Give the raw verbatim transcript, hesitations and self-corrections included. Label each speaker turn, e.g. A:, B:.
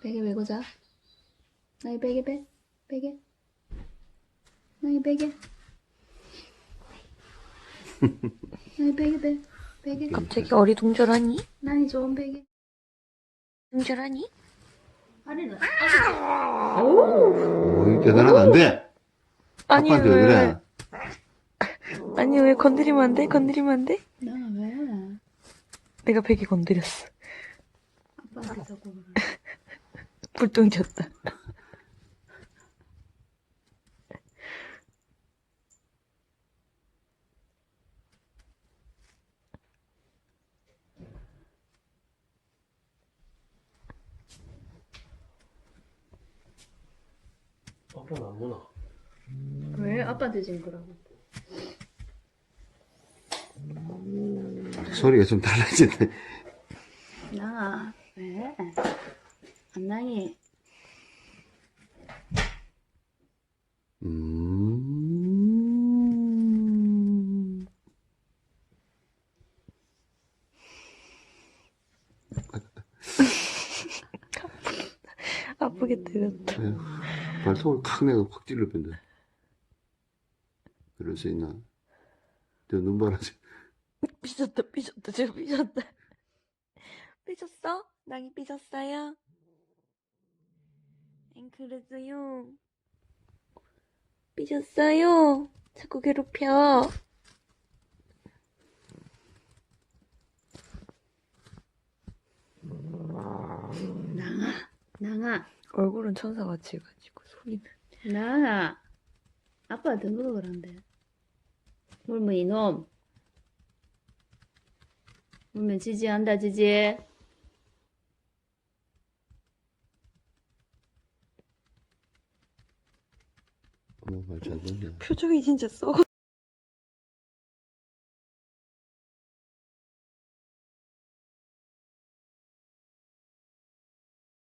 A: 베개 메고 자. 나이 베개 베 베개. 나이 베개. 나이 베개 베 베개.
B: 갑자기 어리둥절하니?
A: 나이 좋은 베개.
B: 둥절하니?
A: 아리는
C: 오, 대단하다. 안 돼.
B: 아니
C: 아빠한테 왜 그래?
B: 아니 왜 건드리면 안 돼? 건드리면 안 돼?
A: 나 왜?
B: 내가 베개 건드렸어.
A: 아빠한테 자꾸 그래.
B: 불똥졌다.
D: 아빠는 안 보나?
A: 왜? 아빠한테 지금 그러고.
C: 소리가 좀 달라지네.
A: 나 왜? 안나이.
C: 음.
B: 아프게 때렸다.
C: 에휴, 발톱을 칵 내가 확 찔러 뺀다. 그럴 수 있나? 저 눈바라
B: 삐졌다 삐졌다 지금 삐졌다. 삐졌어? 낭이 삐졌어요? 엥 그랬어요. 삐졌어요. 자꾸 괴롭혀.
A: 낭아, 낭아,
B: 얼굴은 천사같이 해가지고 소리는.
A: 낭아. 아빠한테 누가 그런데? 물면 이놈. 물면 지지한다 지지.
C: 엄마 발잘 돌려.
B: 표정이 진짜 썩어.